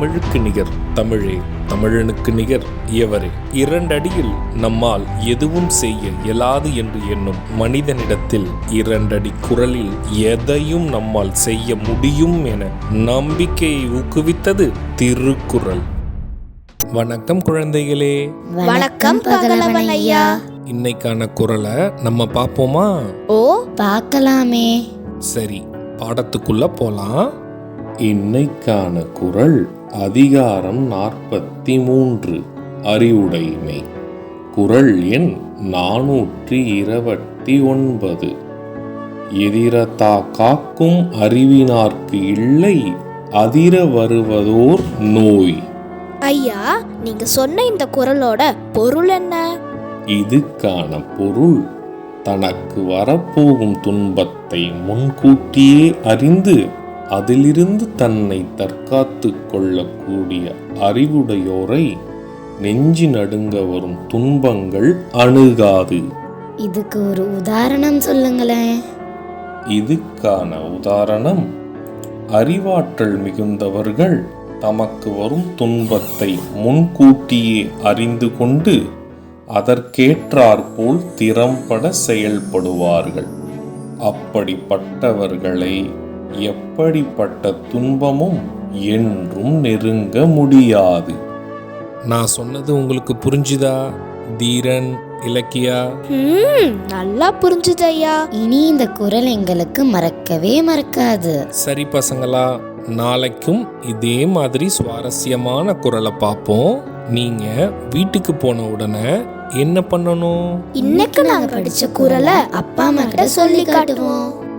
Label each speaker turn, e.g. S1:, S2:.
S1: தமிழுக்கு நிகர் தமிழே, தமிழனுக்கு நிகர் எவரே. 2 அடியில் நம்மால் எதுவும் செய்ய இயலாது என்று எண்ணும் மனிதனிடத்தில் 2 அடி குரலில் எதையும் நம்மால் செய்ய முடியும் என நம்பிக்கையை ஊக்குவித்தது திருக்குறள். வணக்கம் குழந்தைகளே.
S2: வணக்கம் பகலவன் ஐயா.
S1: இன்னைக்கான குறளை நம்ம பார்ப்போமா?
S2: ஓ, பார்க்கலாமே.
S1: சரி, பாடத்துக்குள்ள போலாம். இன்னைக்கான குறள் அதிகாரம் 43, அறிவுடைமை. குறள் எண் 429. எதிரத்தா காக்கும் அறிவினார்க்கு இல்லை, அதிர வருவதோர் நோய்.
S2: ஐயா, நீங்க சொன்ன இந்த குறளோட பொருள் என்ன?
S1: இதுக்கான பொருள், தனக்கு வரப்போகும் துன்பத்தை முன்கூட்டியே அறிந்து அதிலிருந்து தன்னை தற்காத்து கொள்ளக்கூடிய அறிவுடையோரை நெஞ்சி நடுங்க வரும் துன்பங்கள் அணுகாது.
S2: இதுக்கு ஒரு உதாரணம் சொல்லுங்களேன்.
S1: இதுக்கான உதாரணம், அறிவாற்றல் மிகுந்தவர்கள் தமக்கு வரும் துன்பத்தை முன்கூட்டியே அறிந்து கொண்டு அதற்கேற்றாற்போல் திறம்பட செயல்படுவார்கள். அப்படிப்பட்டவர்களை எப்படிப்பட்ட துன்பமும் என்றும் நெருங்க முடியாது. நான் சொன்னது உங்களுக்கு புரிஞ்சுதா தீரன், இலக்கியா?
S2: நல்லா புரிஞ்சுது ஐயா. இனி இந்த குறள் எங்களுக்கு மறக்கவே மறக்காது.
S1: சரி பசங்களா, நாளைக்கும் இதே மாதிரி சுவாரஸ்யமான குறளை பார்ப்போம். நீங்க வீட்டுக்கு போன உடனே என்ன பண்ணணும்?
S2: இன்னைக்கு நாங்க படிச்ச குறளை அப்பா அம்மா கிட்ட சொல்லி காட்டுவோம்.